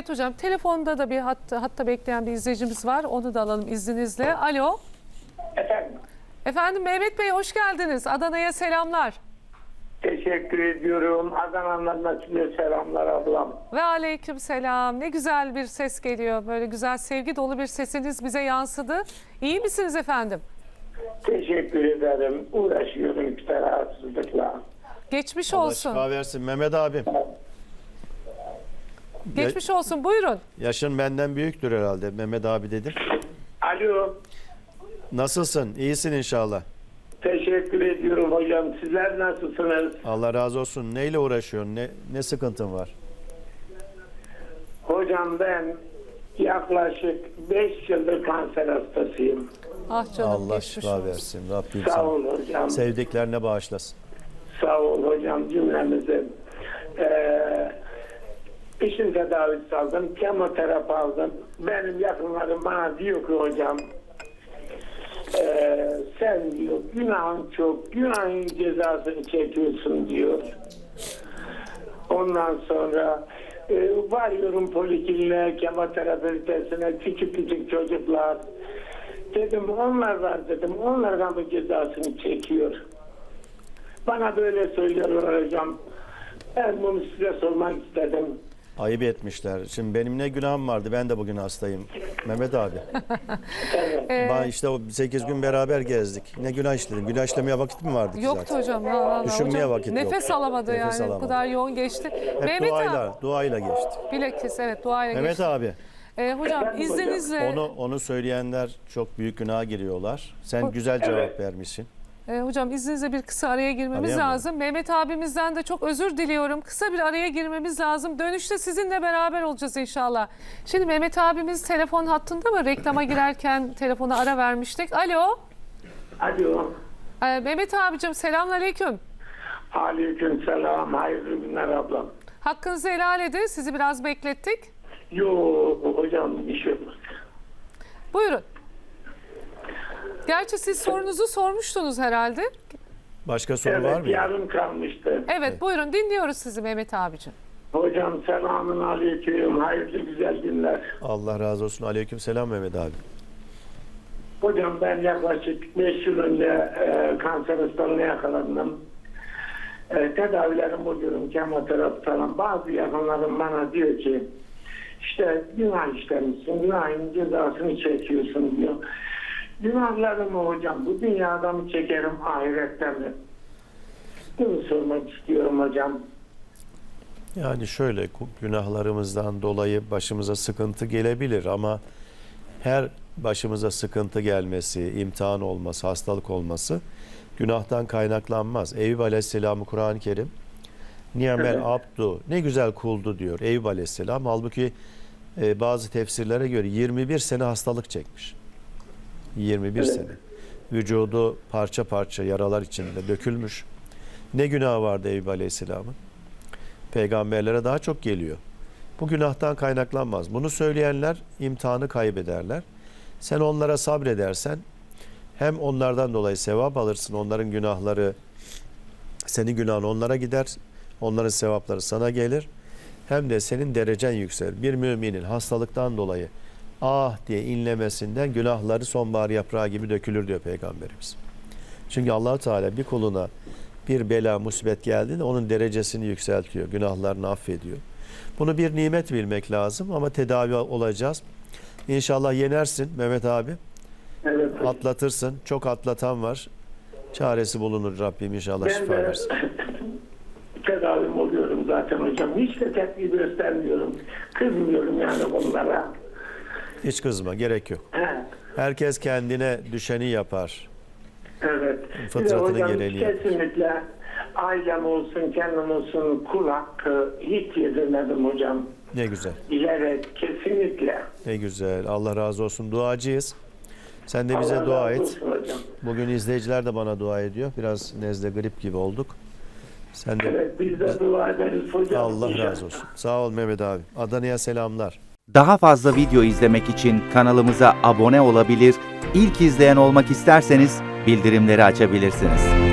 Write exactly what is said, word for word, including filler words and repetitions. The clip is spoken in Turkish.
Evet hocam, telefonda da bir hatta, hatta bekleyen bir izleyicimiz var. Onu da alalım izninizle. Alo. Efendim. Efendim Mehmet Bey hoş geldiniz. Adana'ya selamlar. Teşekkür ediyorum. Adana'dan size selamlar ablam. Ve aleyküm selam. Ne güzel bir ses geliyor. Böyle güzel sevgi dolu bir sesiniz bize yansıdı. İyi misiniz efendim? Teşekkür ederim. Uğraşıyorum işte rahatsızlıkla. Geçmiş Allah olsun. şifa versin Mehmet abim. Geçmiş olsun. Buyurun. Yaşın benden büyüktür herhalde Mehmet abi dedim. Alo. Nasılsın? İyisin inşallah. Teşekkür ediyorum hocam. Sizler nasılsınız? Allah razı olsun. Neyle uğraşıyorsun? Ne, ne sıkıntın var? Hocam ben yaklaşık beş yıldır kanser hastasıyım. Ah canım. Allah geçmiş şifa olsun. versin. Rabbim Sağ sana ol hocam. sevdiklerine bağışlasın. Sağ ol hocam cümlemize. Ee, işin tedavisi aldım. Kemoterapi aldım. Benim yakınlarım bana diyor ki hocam Ee, sen diyor günahın çok, günahın cezasını çekiyorsun diyor. Ondan sonra e, varıyorum polikliniğe, kemoterapi ünitesine, küçük küçük çocuklar. Dedim onlar var dedim, onlardan bu cezasını çekiyor. Bana böyle söylüyorlar hocam. Ben bunu size sormak istedim. Ayıp etmişler. Şimdi benim ne günahım vardı? Ben de bugün hastayım. Mehmet abi. Evet. Ben işte o sekiz gün beraber gezdik. Ne günah işledim? Günah işlemeye vakit mi vardı ki Yoktu zaten? hocam. Ha, ha, ha. Düşünmeye Hocam, vakit yok. Nefes alamadı Nefes yani. alamadı. Bu kadar yoğun geçti. Hep Mehmet duayla, abi. duayla geçti. Bilakis evet duayla Mehmet geçti. abi, Ee, hocam Efendim hocam? izninizle. onu onu söyleyenler çok büyük günaha giriyorlar. Sen güzel cevap Evet. vermişsin. Ee, hocam izninizle bir kısa araya girmemiz Araya mı? lazım. Mehmet abimizden de çok özür diliyorum. Kısa bir araya girmemiz lazım. Dönüşte sizinle beraber olacağız inşallah. Şimdi Mehmet abimiz telefon hattında mı? Reklama girerken telefona ara vermiştik. Alo. Alo. Ee, Mehmet abicim selamünaleyküm. Aleyküm selam. Hayırlı günler ablam. Hakkınızı helal edin. Sizi biraz beklettik. Yok hocam bir şey yok. Buyurun. Gerçi siz sorunuzu sormuştunuz herhalde. Başka soru var Evet mı? yarım kalmıştı. Evet buyurun dinliyoruz sizi Mehmet abicim. Hocam selamun aleyküm. Hayırlı güzel günler. Allah razı olsun. Aleyküm selam Mehmet abi. Hocam ben yaklaşık beş yıl önce e, kanser hastalığına yakalandım. E, tedavilerim buluyorum, kemoterapi falan. Bazı yakınlarım bana diyor ki işte günah işlemişsin, günahın cezasını çekiyorsun diyor. Günahlarımı hocam bu dünyada mı çekerim, ahirette mi? Bunu sormak istiyorum hocam. Yani şöyle günahlarımızdan dolayı başımıza sıkıntı gelebilir ama her başımıza sıkıntı gelmesi, imtihan olması, hastalık olması günahtan kaynaklanmaz. Eyüp Aleyhisselam'ı Kur'an-ı Kerim Ni'mel Evet. abdu, ne güzel kuldu diyor Eyüp Aleyhisselam. Halbuki e, bazı tefsirlere göre yirmi bir sene hastalık çekmiş. yirmi bir Evet. sene. Vücudu parça parça yaralar içinde dökülmüş. Ne günah vardı Eyüp Aleyhisselam'ın? Peygamberlere daha çok geliyor. Bu günahtan kaynaklanmaz. Bunu söyleyenler imtihanı kaybederler. Sen onlara sabredersen hem onlardan dolayı sevap alırsın. Onların günahları, senin günahın onlara gider. Onların sevapları sana gelir. Hem de senin derecen yükselir. Bir müminin hastalıktan dolayı ah diye inlemesinden günahları sonbahar yaprağı gibi dökülür diyor Peygamberimiz. Çünkü Allah Teala bir kuluna bir bela, musibet geldiğinde onun derecesini yükseltiyor. Günahlarını affediyor. Bunu bir nimet bilmek lazım ama tedavi olacağız. İnşallah yenersin Mehmet abi. Evet hocam. Atlatırsın. Çok atlatan var. Çaresi bulunur Rabbim inşallah Ben şifa de versin. tedavim oluyorum zaten hocam. Hiç de tepki göstermiyorum. Kızmıyorum yani bunlara. Hiç kızma, gerek yok. He. Herkes kendine düşeni yapar. Evet. Fıtratının Bir de hocam gereğini yapar. kesinlikle ailem olsun, kendim olsun kul hakkı hiç yedirmedim hocam. Ne güzel. Bilerek kesinlikle. Ne güzel. Allah razı olsun. Duacıyız. Sen de bize Allah dua razı et. olsun hocam. Bugün izleyiciler de bana dua ediyor. Biraz nezle, grip gibi olduk. Sen de Evet biz de dua ederiz hocam. Allah İnşallah. razı olsun. Sağ ol Mehmet abi. Adana'ya selamlar. Daha fazla video izlemek için kanalımıza abone olabilir, ilk izleyen olmak isterseniz bildirimleri açabilirsiniz.